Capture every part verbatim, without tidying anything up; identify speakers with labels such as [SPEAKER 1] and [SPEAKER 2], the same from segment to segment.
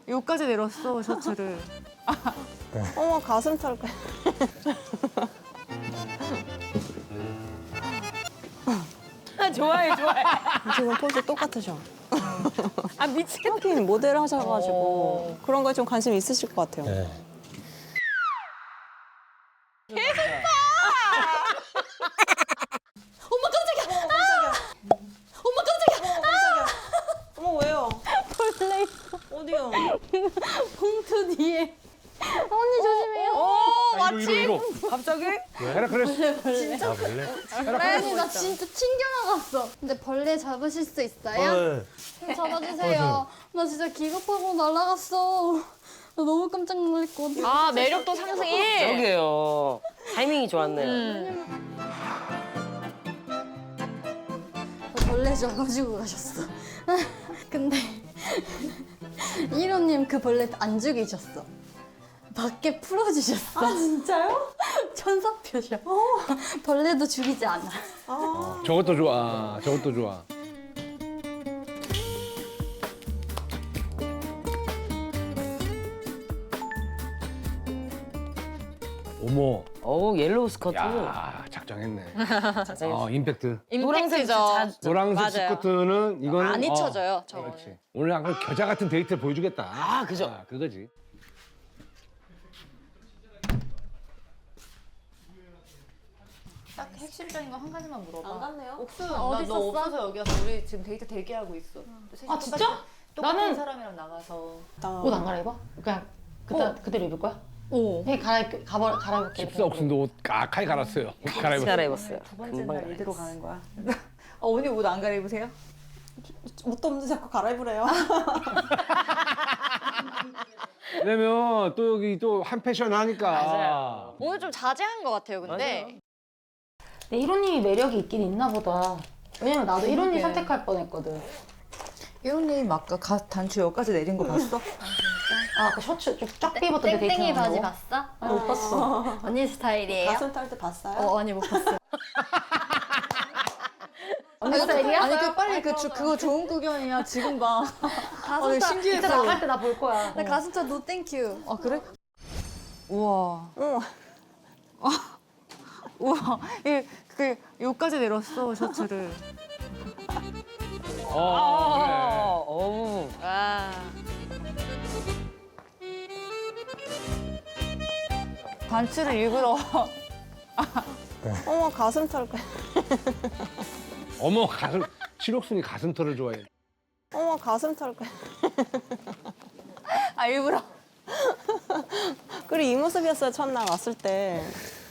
[SPEAKER 1] 여기까지 내렸어, 셔츠를.
[SPEAKER 2] 어머, 가슴 털 거야.
[SPEAKER 3] 좋아해, 좋아해.
[SPEAKER 2] 지금 포즈 똑같으셔.
[SPEAKER 3] 아, 미치겠다.
[SPEAKER 2] 하긴 모델 하셔가지고 그런 거에 좀 관심 있으실 것 같아요.
[SPEAKER 4] 네.
[SPEAKER 2] 어머 깜짝이야! 어머 깜짝이야! 어머 깜짝이야! 어머 왜요?
[SPEAKER 1] 벌레 있어.
[SPEAKER 2] 어디요?
[SPEAKER 1] 봉투 뒤에. 언니 조심해요.
[SPEAKER 3] 오,
[SPEAKER 4] 아, 이거, 이거, 이거.
[SPEAKER 3] 갑자기?
[SPEAKER 4] 헤라클레스.
[SPEAKER 1] 벌레.
[SPEAKER 4] 아, 벌레?
[SPEAKER 1] 아니, 나 진짜 튕겨나갔어. 근데 벌레 잡으실 수 있어요?
[SPEAKER 4] 네.
[SPEAKER 1] 잡아주세요. 나 진짜 기겁하고 날아갔어. 나 너무 깜짝 놀랐거든.
[SPEAKER 3] 아, 매력도 상승이.
[SPEAKER 5] 여기요. 타이밍이 좋았네요.
[SPEAKER 1] 벌레 줘가지고 가셨어. 근데 일호님 그 벌레 안 죽이셨어. 밖에 풀어주셨어. 아 진짜요? 천사표셔. 벌레도 죽이지 않아.
[SPEAKER 4] 저것도 좋아. 저것도 좋아. 어머.
[SPEAKER 5] 어우, 옐로우 스커트.
[SPEAKER 4] 야, 작정했네.
[SPEAKER 5] 자세히.
[SPEAKER 4] 어, 임팩트.
[SPEAKER 3] 임팩트죠.
[SPEAKER 4] 노란색
[SPEAKER 3] 맞아요.
[SPEAKER 4] 스커트는 이거는
[SPEAKER 3] 안 잊혀져요,
[SPEAKER 4] 어,
[SPEAKER 3] 저거는.
[SPEAKER 4] 그렇지. 오늘 약간 겨자 같은 데이트를 보여주겠다.
[SPEAKER 5] 아, 그죠.
[SPEAKER 4] 아, 그거지.
[SPEAKER 6] 딱 핵심적인 거 한 가지만 물어봐.
[SPEAKER 2] 안 갔네요?
[SPEAKER 6] 옥수,
[SPEAKER 1] 어디
[SPEAKER 6] 나너
[SPEAKER 1] 있었어?
[SPEAKER 6] 없어서 여기 와서 우리 지금 데이트 대기하고 있어.
[SPEAKER 7] 아, 진짜?
[SPEAKER 6] 똑같은
[SPEAKER 7] 나는-
[SPEAKER 6] 사람이랑 나가서.
[SPEAKER 7] 옷 안 갈아입어? 그냥 그때 그대로 입을 거야? 오. 해 갈아 가버 갈아입을게.
[SPEAKER 4] 집사 옥순도 옷 까카이 갈았어요. 옷 갈아입었어요.
[SPEAKER 5] 갈아입었어요.
[SPEAKER 6] 두 번째
[SPEAKER 5] 금방
[SPEAKER 6] 날 이대로
[SPEAKER 5] 갈아입었어.
[SPEAKER 6] 가는 거야. 어, 언니 옷 안 갈아입으세요?
[SPEAKER 2] 옷도 없는데 자꾸 갈아입으래요.
[SPEAKER 4] 왜냐면 또 여기 또 한 패션 하니까.
[SPEAKER 5] 맞아요.
[SPEAKER 1] 오늘 좀 자제한 것 같아요, 근데.
[SPEAKER 7] 내 일호님이 매력이 있긴 있나 보다. 왜냐면 나도 일호님 선택할 뻔했거든.
[SPEAKER 6] 일호님 아까 가, 단추 여기까지 내린 거 봤어?
[SPEAKER 7] 아, 그 셔츠 좀 쫙 입었던 데 데이트
[SPEAKER 1] 땡땡이 바지
[SPEAKER 7] 거.
[SPEAKER 1] 봤어?
[SPEAKER 7] 아, 못 봤어.
[SPEAKER 1] 언니 스타일이에요?
[SPEAKER 2] 가슴 털 때 봤어요?
[SPEAKER 1] 어, 언니 못 봤어요.
[SPEAKER 7] 언니 스타일이야?
[SPEAKER 6] 아니 그 빨리 그 주, 그거 좋은 구경이야. 지금 봐.
[SPEAKER 1] 가슴
[SPEAKER 6] 어,
[SPEAKER 1] 털.
[SPEAKER 6] 신기했어.
[SPEAKER 7] 진짜 나갈 때 나 볼 거야.
[SPEAKER 1] 나 가슴 털 노 땡큐.
[SPEAKER 6] 아 그래? 우와.
[SPEAKER 2] 어머.
[SPEAKER 1] 우와, 이, 그 여기까지 내렸어, 셔츠를.
[SPEAKER 4] 어,
[SPEAKER 5] 아, 어우.
[SPEAKER 1] 와.
[SPEAKER 6] 단추를 일부러.
[SPEAKER 2] 어머 가슴 털 거야.
[SPEAKER 4] 그래. 어머, 가슴, 칠옥순이 가슴털을 좋아해.
[SPEAKER 2] 어머 가슴 털 거야.
[SPEAKER 6] 아 일부러.
[SPEAKER 2] 그리고 이 모습이었어요 첫날 왔을 때.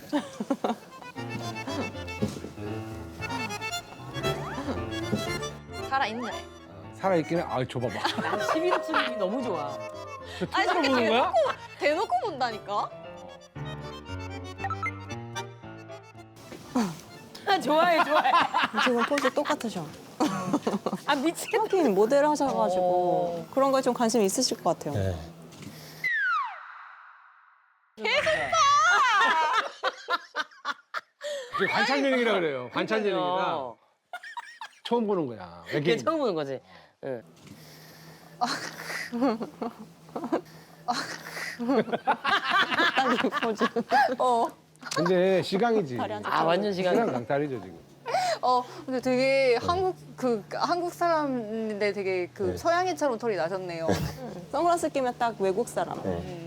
[SPEAKER 1] 살아있네.
[SPEAKER 4] 살아있기는, 아, 줘봐봐.
[SPEAKER 5] 난 십일 쯤이 너무 좋아.
[SPEAKER 4] 저 투자로 보는 거야?
[SPEAKER 1] 대놓고 본다니까?
[SPEAKER 3] 아, 좋아해, 좋아해.
[SPEAKER 2] 지금 포즈 똑같으셔.
[SPEAKER 3] 아, 미치겠다.
[SPEAKER 2] 하긴 모델 하셔가지고 그런 거에 좀 관심 있으실 것 같아요.
[SPEAKER 4] 네. 이게 관찰 예능이라 그래요. 관찰 예능이라 처음 보는 거야.
[SPEAKER 5] 그게
[SPEAKER 4] 외계인.
[SPEAKER 5] 처음 보는 거지. 응.
[SPEAKER 4] 근데 시강이지.
[SPEAKER 5] 아, 완전 시간이.
[SPEAKER 4] 시강 강탈이죠 지금.
[SPEAKER 6] 어 근데 되게 한국 그 한국 사람인데 되게 그
[SPEAKER 4] 네.
[SPEAKER 6] 서양인처럼 털이 나셨네요.
[SPEAKER 2] 선글라스 끼면 딱 외국 사람.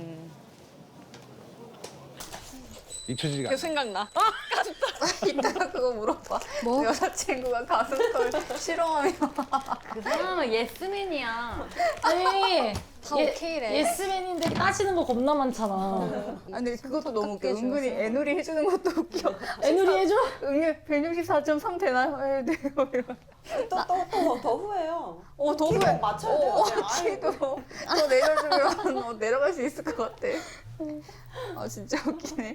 [SPEAKER 4] 잊혀지지가
[SPEAKER 1] 그
[SPEAKER 4] 않아.
[SPEAKER 1] 생각나.
[SPEAKER 6] 이따가 그거 물어봐. 뭐? 여자친구가 가슴털 싫어하면.
[SPEAKER 1] 그 사람은 예스맨이야.
[SPEAKER 7] 아니,
[SPEAKER 1] 다 오케이래.
[SPEAKER 7] 예스맨인데 따지는 거 겁나 많잖아.
[SPEAKER 6] 아 근데 그것도 너무 웃겨. 은근히 애누리 해주는 것도 웃겨.
[SPEAKER 7] 애누리 해줘?
[SPEAKER 6] 응애 백육십사 점 삼 되나요? 네, 돼요. 이러면.
[SPEAKER 2] 또또또더 후회요.
[SPEAKER 6] 어, 더
[SPEAKER 2] 키도
[SPEAKER 6] 후회.
[SPEAKER 2] 맞춰야 돼요.
[SPEAKER 6] 어,
[SPEAKER 2] 아이,
[SPEAKER 6] 키도 더 내려주면 어, 내려갈 수 있을 것 같아. 아 진짜 웃기네.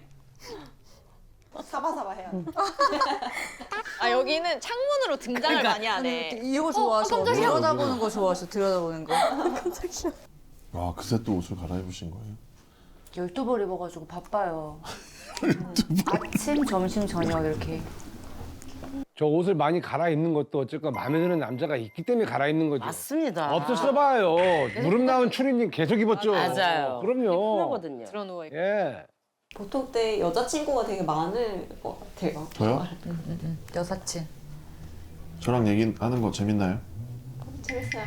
[SPEAKER 2] 사바사바 해야 돼.
[SPEAKER 1] 아, 여기는 창문으로 등장을 많이 하네.
[SPEAKER 6] 이거 좋아하셔.
[SPEAKER 1] 깜짝이야.
[SPEAKER 6] 들여다보는 거 좋아하셔. 들여다보는 거.
[SPEAKER 8] 와, 그새 또 옷을 갈아입으신 거예요?
[SPEAKER 6] 열두 벌 입어가지고 바빠요. 아침, 점심, 저녁 이렇게.
[SPEAKER 4] 저 옷을 많이 갈아입는 것도 어쨌건 마음에 드는 남자가 있기 때문에 갈아입는 거죠.
[SPEAKER 5] 맞습니다.
[SPEAKER 4] 없었어봐요. 무릎 나온 추리닝 계속 입었죠.
[SPEAKER 5] 맞아요.
[SPEAKER 4] 그럼요.
[SPEAKER 5] 편하거든요.
[SPEAKER 3] 들어누워 있고.
[SPEAKER 4] 예.
[SPEAKER 2] 보통 때 여자친구가 되게 많을 것 같아요.
[SPEAKER 8] 저요?
[SPEAKER 1] 여사친.
[SPEAKER 8] 저랑 얘기하는 거 재밌나요?
[SPEAKER 2] 재밌어요.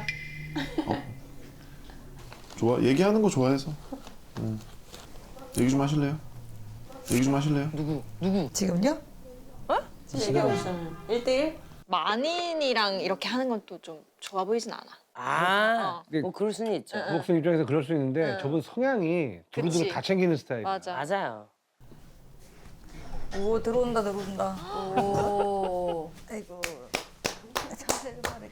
[SPEAKER 8] 좋아 얘기하는 거 좋아해서. 음. 얘기 좀 하실래요? 얘기 좀 하실래요?
[SPEAKER 5] 누구? 누구?
[SPEAKER 6] 지금요?
[SPEAKER 2] 지금 얘기하고 있잖아요. 일 대일?
[SPEAKER 9] 만인이랑 이렇게 하는 건 또 좀 좋아 보이진 않아.
[SPEAKER 5] 아,
[SPEAKER 4] 어.
[SPEAKER 5] 뭐 그럴 수는 있죠.
[SPEAKER 4] 부복순 입장에서 그럴 수 있는데
[SPEAKER 9] 응.
[SPEAKER 4] 저분 성향이 두루두루
[SPEAKER 9] 그치.
[SPEAKER 4] 다 챙기는 스타일.
[SPEAKER 9] 맞아.
[SPEAKER 5] 맞아요.
[SPEAKER 6] 오 들어온다 들어온다.
[SPEAKER 1] 오.
[SPEAKER 6] 아이고. 자세를 말해.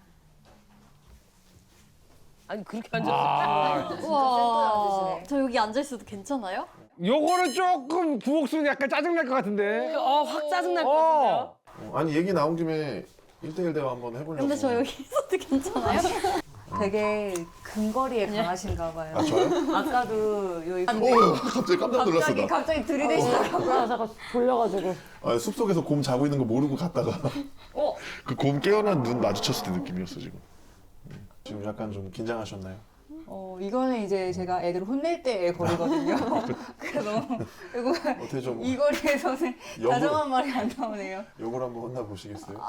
[SPEAKER 5] 아니 그렇게 앉았어.
[SPEAKER 4] 아,
[SPEAKER 1] 우와. 저 여기 앉아 있어도 괜찮아요?
[SPEAKER 4] 요거는 조금 부복순 약간 짜증날 것 같은데.
[SPEAKER 5] 어, 확 짜증날 것 같은데요?
[SPEAKER 4] 어.
[SPEAKER 8] 어, 아니 얘기 나온 김에 일 대일 대화 한번 해보려고.
[SPEAKER 1] 근데 저 여기 있어도 괜찮아요?
[SPEAKER 6] 되게 근거리에 강하신가 봐요.
[SPEAKER 8] 아 저요?
[SPEAKER 6] 아까도 여기
[SPEAKER 8] 오 갑자기 깜짝 놀랐어
[SPEAKER 6] 갑자기
[SPEAKER 8] 나.
[SPEAKER 6] 갑자기 들이대시더라고요.
[SPEAKER 7] 아 잠깐 졸려가지고.
[SPEAKER 8] 아, 숲속에서 곰 자고 있는 거 모르고 갔다가 그 곰 깨어난 눈 마주쳤을 때 느낌이었어 지금. 음. 지금 약간 좀 긴장하셨나요?
[SPEAKER 6] 어 이거는 이제 제가 애들 혼낼 때의 거리거든요. 그래서 이거
[SPEAKER 8] 어떻게 좀
[SPEAKER 6] 이 거리에서는
[SPEAKER 8] 역으로-
[SPEAKER 6] 다정한 말이 안 나오네요.
[SPEAKER 8] 욕을 한번 혼나 보시겠어요?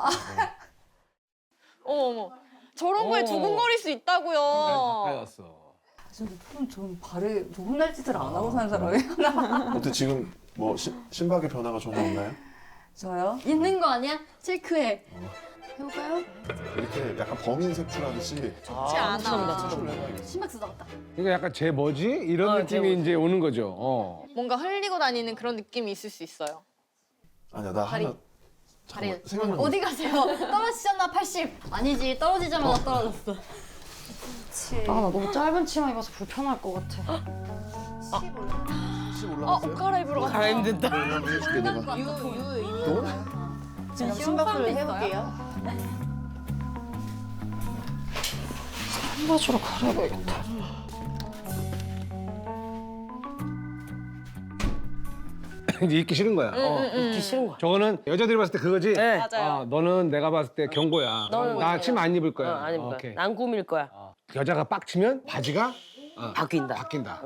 [SPEAKER 9] 어머 어머. 저런 거에
[SPEAKER 4] 어.
[SPEAKER 9] 두근거릴 수 있다고요.
[SPEAKER 4] 가까이였어.
[SPEAKER 6] 좀, 좀 발에 좀 혼날 짓을 안 하고 사는 사람이에요.
[SPEAKER 8] 어때 지금 뭐 시, 심박의 변화가 전혀 없나요?
[SPEAKER 6] 저요?
[SPEAKER 1] 있는 거 아니야? 체크해. 해볼까요?
[SPEAKER 8] 이렇게 약간 범인 색출하듯이
[SPEAKER 9] 좋지 않아.
[SPEAKER 8] 색출을 해봐야겠어.
[SPEAKER 1] 심박 쓰다갔다.
[SPEAKER 4] 그러니까 약간 제 뭐지? 이런
[SPEAKER 5] 어, 제
[SPEAKER 4] 느낌이
[SPEAKER 5] 뭐지.
[SPEAKER 4] 이제 오는 거죠. 어.
[SPEAKER 9] 뭔가 흘리고 다니는 그런 느낌이 있을 수 있어요.
[SPEAKER 8] 아니야 나
[SPEAKER 1] 다리.
[SPEAKER 8] 하나 잠깐만
[SPEAKER 1] 다리.
[SPEAKER 8] 생각나.
[SPEAKER 1] 어디 가세요? 떨어지잖아 팔십. 아니지 떨어지자마자 떨어졌어.
[SPEAKER 7] 아 나 너무 짧은 치마 입어서 불편할 것 같아.
[SPEAKER 8] 혹시
[SPEAKER 9] 어,
[SPEAKER 8] 올라갔어요?
[SPEAKER 9] 옷 갈아입으러 갔다.
[SPEAKER 5] 갈아입는다.
[SPEAKER 8] 네, 한번 해줄게 내가.
[SPEAKER 6] 지금 심박수를 해볼게요.
[SPEAKER 7] 청바지로 갈아입어야겠다.
[SPEAKER 4] 이제 입기 싫은 거야. 어.
[SPEAKER 5] 입기 싫은 거야.
[SPEAKER 4] 저거는 여자들이 봤을 때 그거지?
[SPEAKER 5] 네.
[SPEAKER 9] 맞아요.
[SPEAKER 4] 어, 너는 내가 봤을 때 경고야.
[SPEAKER 5] 너는
[SPEAKER 4] 나 침 안 입을
[SPEAKER 5] 어,
[SPEAKER 4] 거야.
[SPEAKER 5] 안 입을 거야.
[SPEAKER 4] 오케이.
[SPEAKER 5] 난 꾸밀 거야.
[SPEAKER 4] 어. 여자가 빡치면 바지가 어,
[SPEAKER 5] 바뀐다.
[SPEAKER 4] 바뀐다.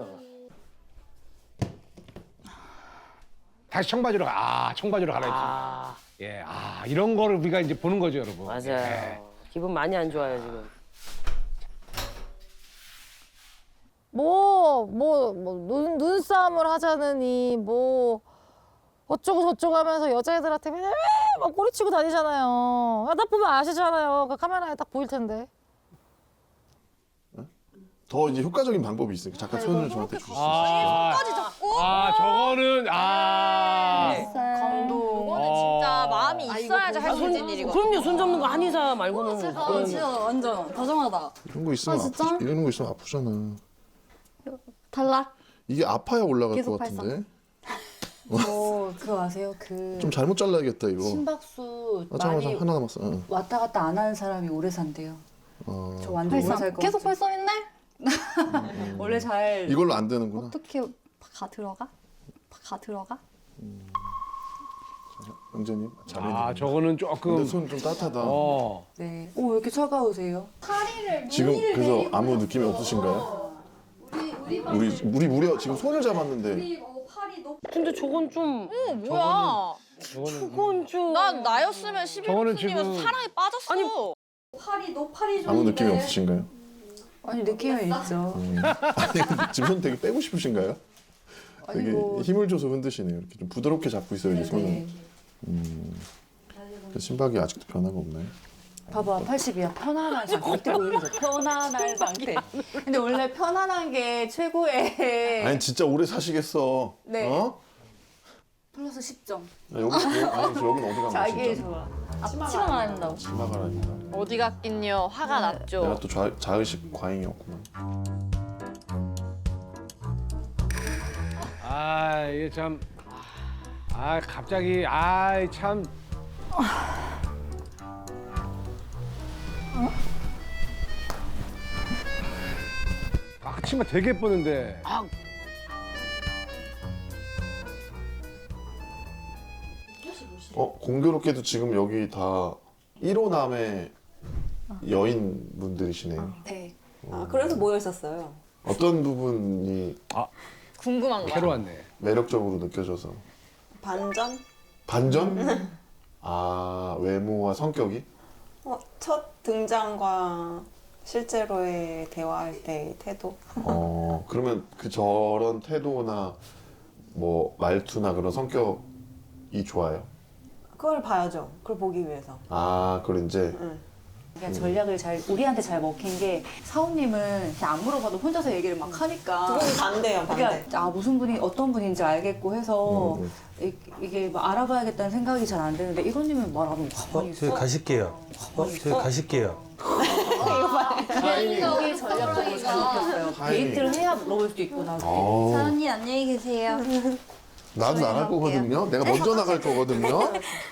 [SPEAKER 4] 다시 청바지로 가. 아, 청바지로 갈아입지.
[SPEAKER 5] 아,
[SPEAKER 4] 예, 아 이런 거를 우리가 이제 보는 거죠, 여러분.
[SPEAKER 5] 맞아요.
[SPEAKER 4] 예.
[SPEAKER 5] 기분 많이 안 좋아요 지금.
[SPEAKER 10] 뭐, 뭐, 뭐, 눈, 눈싸움을 하자느니, 뭐, 어쩌고 저쩌고 하면서 여자애들한테 맨날 막 꼬리치고 다니잖아요. 아, 딱 보면 아시잖아요. 그 카메라에 딱 보일 텐데.
[SPEAKER 8] 더 이제 효과적인 방법이 있으니까 잠깐 손을 저한테 주실 수 있어요?
[SPEAKER 4] 아, 아, 저거는 아.
[SPEAKER 6] 감동.
[SPEAKER 9] 이거는 진짜 마음이 있어야지 할 수 있는 일이거든.
[SPEAKER 5] 그럼요. 손 잡는 거 한의사 말고는.
[SPEAKER 1] 제가
[SPEAKER 5] 그건-
[SPEAKER 1] 진짜 완전 다정하다.
[SPEAKER 8] 이런 거 있으면
[SPEAKER 1] 아, 진짜?
[SPEAKER 8] 아프지. 이런 거 있으면 아프잖아.
[SPEAKER 1] 탈락.
[SPEAKER 8] 이게 아파야 올라갈
[SPEAKER 1] 계속
[SPEAKER 8] 것 같은데.
[SPEAKER 6] 어, 그거 아세요? 그
[SPEAKER 8] 좀 잘못 잘라야겠다 이거.
[SPEAKER 6] 심박수
[SPEAKER 8] 아 잠깐만
[SPEAKER 6] 많이
[SPEAKER 8] 하나 남았어. 응.
[SPEAKER 6] 왔다 갔다 안 하는 사람이 오래 산대요.
[SPEAKER 8] 어,
[SPEAKER 6] 저 완전 오래
[SPEAKER 1] 팔삼.
[SPEAKER 6] 살것
[SPEAKER 1] 계속
[SPEAKER 6] 같아요.
[SPEAKER 1] 팔삼인데?
[SPEAKER 6] 원래 잘
[SPEAKER 8] 이걸로 안 되는구나.
[SPEAKER 1] 어떻게 가 들어가? 가 들어가?
[SPEAKER 8] 영재님 잘했네.
[SPEAKER 4] 아, 저거는 조금
[SPEAKER 8] 근데 손 좀 따뜻하다.
[SPEAKER 4] 어.
[SPEAKER 6] 네. 오, 왜 이렇게 차가우세요?
[SPEAKER 8] 지금 그래서 아무 느낌이 없으신가요? 우리 우리 무려 지금 손을 잡았는데
[SPEAKER 5] 근데 저건 좀.
[SPEAKER 9] 어, 뭐야.
[SPEAKER 5] 저건 좀.
[SPEAKER 9] 난 나였으면
[SPEAKER 4] 저거는
[SPEAKER 9] 십일
[SPEAKER 4] 지금-
[SPEAKER 9] 사랑에 빠졌어.
[SPEAKER 5] 아니,
[SPEAKER 1] 팔이 너 팔이
[SPEAKER 8] 아무 느낌이 없으신가요?
[SPEAKER 6] 아니 느낌이 있죠.
[SPEAKER 8] 음. 아니 근데 지금 손 되게 빼고 싶으신가요? 되게
[SPEAKER 6] 아이고.
[SPEAKER 8] 힘을 줘서 흔드시네요. 이렇게 좀 부드럽게 잡고 있어야지 손을.
[SPEAKER 6] 네.
[SPEAKER 8] 음. 근데 심박이 아직도 변화가 없나요?
[SPEAKER 6] 봐봐, 팔십이야. 편안한 상태. 이때 보이죠? 편안한 상태. 근데 원래 편안한 게 최고의.
[SPEAKER 8] 아니 진짜 오래 사시겠어.
[SPEAKER 6] 네.
[SPEAKER 8] 어?
[SPEAKER 6] 플러스 십 점.
[SPEAKER 8] 야, 여기 여기- 아니 저 여기는 어디 가면
[SPEAKER 6] 자기의
[SPEAKER 8] 진짜
[SPEAKER 6] 좋아.
[SPEAKER 1] 앞치마 말한다고.
[SPEAKER 8] 치마 갈아입니다.
[SPEAKER 9] 어디 갔긴요. 화가 났죠.
[SPEAKER 8] 내가 또 좌, 자의식 과잉이었구만.
[SPEAKER 4] 아, 이게 참 아, 갑자기 아, 참 아, 그 치마 되게 예뻤는데.
[SPEAKER 5] 아,
[SPEAKER 8] 어 공교롭게도 지금 여기 다 일 호남의 여인분들이시네요.
[SPEAKER 2] 네. 아, 그래서 모여 있었어요.
[SPEAKER 8] 어떤 부분이
[SPEAKER 9] 궁금한 거야.
[SPEAKER 4] 새로 왔네.
[SPEAKER 8] 매력적으로 느껴져서
[SPEAKER 2] 반전?
[SPEAKER 8] 반전? 아 외모와 성격이?
[SPEAKER 2] 어, 첫 등장과 실제로의 대화할 때의 태도?
[SPEAKER 8] 어 그러면 그 저런 태도나 뭐 말투나 그런 성격이 좋아요?
[SPEAKER 2] 그걸 봐야죠. 그걸 보기 위해서.
[SPEAKER 8] 아 그걸 이제
[SPEAKER 2] 응.
[SPEAKER 6] 그냥 전략을 잘 우리한테 잘 먹힌 게 사원님은 그냥 안 물어봐도 혼자서 얘기를 막 하니까
[SPEAKER 2] 그건 반대예요, 반대.
[SPEAKER 6] 그러니까 아 무슨 분이 어떤 분인지 알겠고 해서
[SPEAKER 8] 음,
[SPEAKER 6] 이, 이게 막 알아봐야겠다는 생각이 잘 안 드는데 이론님은 말 안 하고 가만히 있어.
[SPEAKER 11] 저희 가실게요. 어, 저희 가실게요.
[SPEAKER 6] 굉장히 전략적으로 잘 먹혔어요.
[SPEAKER 8] 타이밍.
[SPEAKER 6] 데이트를 해야 물어볼 수도 있고 나중에.
[SPEAKER 8] 어,
[SPEAKER 1] 사은이 안녕히 계세요.
[SPEAKER 8] 나도 나갈 거거든요. 내가 먼저 나갈 거거든요.